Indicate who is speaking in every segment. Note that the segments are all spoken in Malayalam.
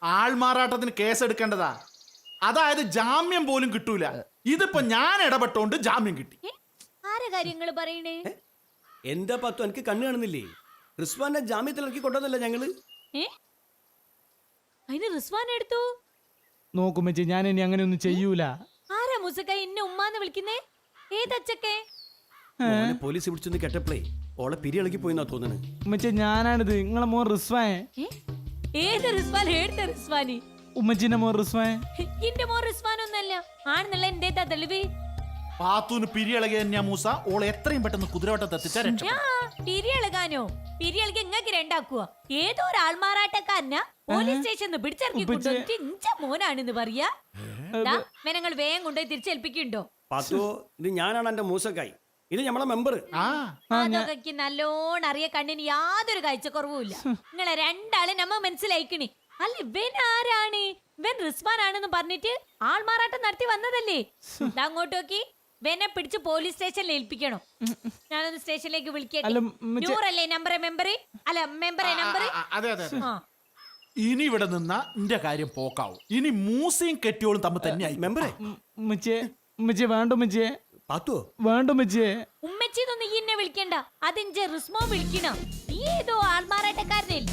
Speaker 1: ആൾമാറാട്ടത്തിന് കേസെടുക്കേണ്ടതാ. അതായത് ജാമ്യം പോലും കിട്ടൂല. ഇതിപ്പോ ഞാൻ ഇടപെട്ടോണ്ട് ജാമ്യം കിട്ടി.
Speaker 2: ആരെ കാര്യങ്ങൾ പറയണേ?
Speaker 3: എന്താ പത്തു എനിക്ക് കണ്ണു കാണുന്നില്ലേ? റിസ്വാനെ ജാമ്യത്തിൽ ഇറക്കി കൊണ്ടതല്ല ഞങ്ങള്.
Speaker 2: അതിന് റിസ്വാൻ എടുത്തു.
Speaker 4: നോക്കുമ്പോ ഞാൻ ഇനി അങ്ങനെ ഒന്നും ചെയ്യൂല.
Speaker 2: ആരാ മുസക്ക ഇന്നെ ഉമ്മാന്ന് വിളിക്കുന്നേ? ഏതച്ചക്കെ?
Speaker 3: പോലീസ് പിടിച്ചൊന്ന് കേട്ടപ്പോഴേ ഓളെ പിരി ഇളകി പോയിന്നാ തോന്നണേ.
Speaker 4: ഉമ്മച്ചി ഞാനാണിത്, നിങ്ങളെ മോൻ റിസ്വാൻ.
Speaker 2: ഏത് റിസ്വാൻ? ഏടുത്ത റിസ്വാനി?
Speaker 4: ഉമ്മച്ചിന്റെ മോൻ റിസ്വാൻ.
Speaker 2: ഇന്റെ മോൻ റിസ്വാൻ ഒന്നല്ല ആണെന്നുള്ള എന്തേതാ തെളിവ്?
Speaker 1: പാത്തൂന് പിരിയിളകിയ തന്നെയാ മൂസ. ഓളെ എത്രയും പെട്ടെന്ന് കുതിരവട്ടത്ത് എത്തിച്ചാ രക്ഷപ്പെട്ടു.
Speaker 2: പിരിയളകാനോ? പിരിയളക്ക് ഇങ്ങക്ക് രണ്ടാക്കുക. ഏതോ ഒരു ആൾമാറാട്ടക്കാരനാ പോലീസ് സ്റ്റേഷനിൽ പിടിച്ചിറക്കി കൊണ്ടുവന്നിട്ട് ഇഞ്ച മോനാണെന്ന് പറയാ. നിങ്ങൾ വേഗം കൊണ്ടുപോയി തിരിച്ചേൽപ്പിക്കുന്നുണ്ടോ?
Speaker 3: പത്തു, ഇത് ഞാനാണ് എന്റെ മൂസക്കായി. ഇത് നമ്മളെ മെമ്പർ.
Speaker 2: അതൊക്കെ നല്ലോണം അറിയ കണ്ണിന് യാതൊരു കാഴ്ചക്കുറവുമില്ല. നിങ്ങളെ രണ്ടാളെ നമ്മ മനസ്സിലായിക്കണേ. അല്ല ഇവൻ ആരാണ്? ഇവൻ റിസ്വാൻ ആണെന്ന് പറഞ്ഞിട്ട് ആൾമാറാട്ടം നടത്തി വന്നതല്ലേ? അങ്ങോട്ട് നോക്കി വെനെ പിടിച്ച് പോലീസ് സ്റ്റേഷനിൽ ഏൽപ്പിക്കണോ? ഞാനൊന്ന് സ്റ്റേഷനിലേക്ക് വിളിക്കട്ടെ. നൂറല്ലേ നമ്പറെ? മെമ്പർ അല്ല മെമ്പറെ നമ്പർ.
Speaker 1: അതെ അതെ. ഇനി ഇവിടെ നിന്ന എന്റെ കാര്യം പോക്കാവും. ഇനി മൂസയും കെട്ടിയോളും തമ്മിൽ തന്നെയായി.
Speaker 3: മെമ്പറേ
Speaker 4: വേണ്ട ഉമ്മച്ചിയെ.
Speaker 3: പാത്തു
Speaker 4: വേണ്ട ഉമ്മച്ചിയെ.
Speaker 2: ഉമ്മച്ചിന്നൊന്നും ഈ എന്നെ വിളിക്കണ്ട. അതിന്റെ റിസ്മോ വിളിക്കണം. നീ ഏതോ ആൾമാറാട്ടക്കാരനല്ലേ?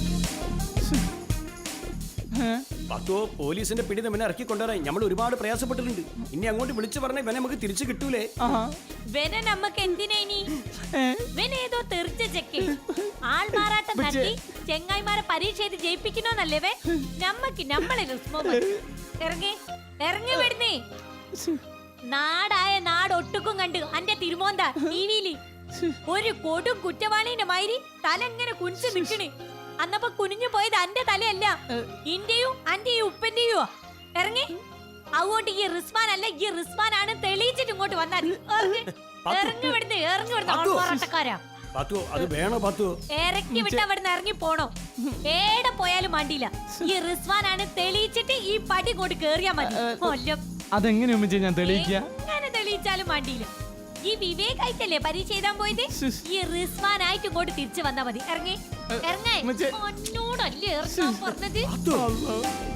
Speaker 3: പത്തോ പോലീസിന്റെ പിടി നമ്മെ ഇറക്കി കൊണ്ടുവരാൻ നമ്മൾ ഒരുപാട് പ്രയാസപ്പെട്ടിട്ടുണ്ട്. ഇനി അങ്ങോട്ട് വിളിച്ചു പറഞ്ഞ ഇവനെ നമുക്ക് തിരിച്ചു കിട്ടൂലേ?
Speaker 2: വെന നമ്മക്ക് എന്തിനാ ഇനി? വെനേതോ തെറിച്ച ചെക്ക് ആൾമാറാട്ടം നടത്തി ചെങ്ങായിമാരെ പരീക്ഷ എഴുതി ജയിപ്പിക്കണോന്നല്ലേ വേ? നമ്മക്ക് നമ്മളെ റിസ്മോ ഇറങ്ങി ഇറങ്ങി വിടുന്നേ. നാടായ നാടൊട്ടുക്കും കണ്ട് അന്റെ തിരുമോന്താ ടിവിയില് ഒരു കൊടും കുറ്റവാളിന്റെ മാതിരി തല എങ്ങനെ കുനിച്ചു നിക്കണേ. അന്നപ്പോ കുനിഞ്ഞു പോയത് അന്റെ തലയല്ല, ഇന്റെയും അന്റെയും ഉപ്പന്റെയോ. ഇറങ്ങി അതുകൊണ്ട് ഈ റിസ്വാൻ അല്ല, ഈ റിസ്വാൻ ആണ് തെളിയിച്ചിട്ട് ഇങ്ങോട്ട് വന്നാൽ ഇറങ്ങി വിടുന്നേ. ഇറങ്ങി വിടുന്നോട്ടക്കാരാ. ഇറക്കി വിട്ട അവിടുന്ന് ഇറങ്ങി പോണോ? ഏടെ പോയാലും മണ്ടിയില്ല. ഈ റിസ്വാൻ ആണ് തെളിയിച്ചിട്ട് ഈ പടി കൊണ്ട് കേറിയാ മതി.
Speaker 4: അതെങ്ങനെയാ ഞാൻ തെളിയിക്കുക?
Speaker 2: അങ്ങനെ തെളിയിച്ചാലും മണ്ടിയില്ല. ഈ വിവേകായിട്ടല്ലേ പരീക്ഷ എഴുതാൻ പോയത്? ഈ റിസ്വാനായിട്ട് ഇങ്ങോട്ട് തിരിച്ചു വന്നാ മതി. ഇറങ്ങി ഇറങ്ങി. എന്നോടല്ലേ ഇറങ്ങാൻ പറഞ്ഞത്?